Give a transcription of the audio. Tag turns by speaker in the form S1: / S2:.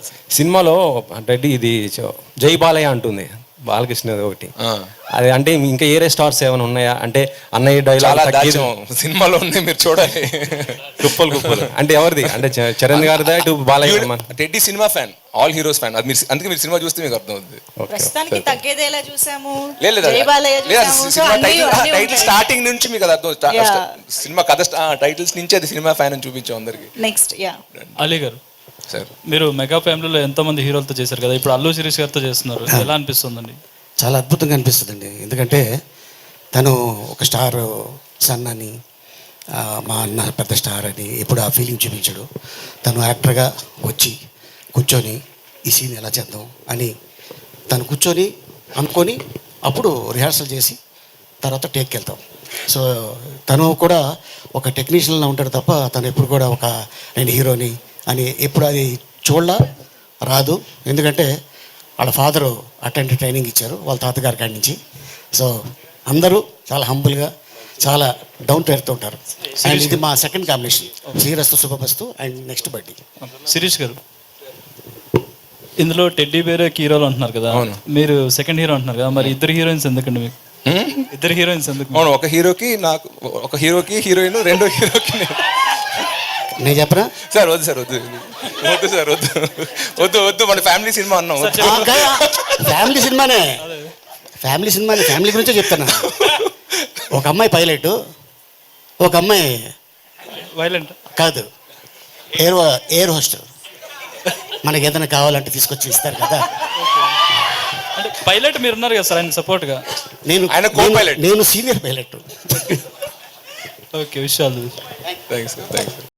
S1: సినిమాలో అంటే ఇది జై బాలయ్య అంటుంది బాలకృష్ణ ఒకటి, అది అంటే ఇంకా ఏరే స్టార్స్ ఏమైనా ఉన్నాయా అంటే అన్నయ్య డైలాగ్
S2: సినిమాలో ఉంది, మీరు చూడాలి.
S1: కుప్పలు అంటే ఎవరిది అంటే చరణ్ గారిదా ఇటు బాలయ్య?
S2: టెడ్డీ సినిమా ఫ్యాన్, ఆల్ హీరోస్ ఫ్యాన్. అది మీరు అందుకే మీరు సినిమా చూస్తే మీకు అర్థం అవుతుంది.
S3: ప్రస్తుతానికి తగ్గేదేలా చూసాము,
S2: టైటిల్ స్టార్టింగ్ నుంచి మీకు అది అర్థం. సినిమా కథ టైటిల్స్ నుంచి అది సినిమా ఫ్యాన్ అని చూపించాం అందరికి.
S3: నెక్స్ట్
S4: అలీ గారు, మీరు మెగా ఫ్యామిలీలో ఎంతో మంది హీరోలతో చేశారు కదా, ఇప్పుడు అల్లు శిరీష్ గారితో చేస్తున్నారు, ఎలా అనిపిస్తుందండి?
S5: చాలా అద్భుతంగా అనిపిస్తుందండి. ఎందుకంటే తను ఒక స్టార్ సన్ అని, మా అన్న పెద్ద స్టార్ అని ఎప్పుడు ఆ ఫీలింగ్ చూపించాడు. తను యాక్టర్గా వచ్చి కూర్చొని ఈ సీన్ ఎలా చేద్దాం అని తను కూర్చొని అనుకొని అప్పుడు రిహార్సల్ చేసి తర్వాత టేక్కి వెళ్తాం. సో తను కూడా ఒక టెక్నీషియన్లా ఉంటాడు తప్ప తను ఎప్పుడు కూడా ఒక నేను హీరోని అని ఎప్పుడు అది చూడలా రాదు. ఎందుకంటే వాళ్ళ ఫాదరు అటెండ్ ట్రైనింగ్ ఇచ్చారు వాళ్ళ తాతగారి కాడి నుంచి. సో అందరూ చాలా హంబుల్గా చాలా డౌన్ టు ఎర్త్ ఉంటారు. అండ్ ఇది మా సెకండ్ కాంబినేషన్, శ్రీరస్తు శుభమస్తు అండ్ నెక్స్ట్ బర్త్డే.
S4: శిరీష్ గారు, ఇందులో టెడ్డీ బేర్ హీరోలు అంటున్నారు కదా, మీరు సెకండ్ హీరో అంటున్నారు కదా, మరి ఇద్దరు హీరోయిన్స్ ఎందుకండి మీకు? ఇద్దరు హీరోయిన్స్ ఎందుకు?
S2: అవును, ఒక హీరోకి నాకు, ఒక హీరోకి హీరోయిన్, రెండో హీరోకి
S5: నేను చెప్పనా
S2: సార్? వద్దు సార్, వద్దు వద్దు సార్, వద్దు వద్దు వద్దు, మన ఫ్యామిలీ సినిమా అన్నాం.
S5: ఫ్యామిలీ సినిమానే, ఫ్యామిలీ గురించే చెప్తాను. ఒక అమ్మాయి పైలట్, ఒక అమ్మాయి
S4: వైలెంట్
S5: కాదు, ఎయిర్ హోస్టల్. మనకి ఏదైనా కావాలంటే తీసుకొచ్చి ఇస్తారు కదా.
S4: అంటే పైలట్ మీరు ఉన్నారు కదా సార్, ఆయన సపోర్ట్గా.
S5: నేను సీనియర్ పైలట్.
S4: ఓకే, విషయాలు
S2: థ్యాంక్స్.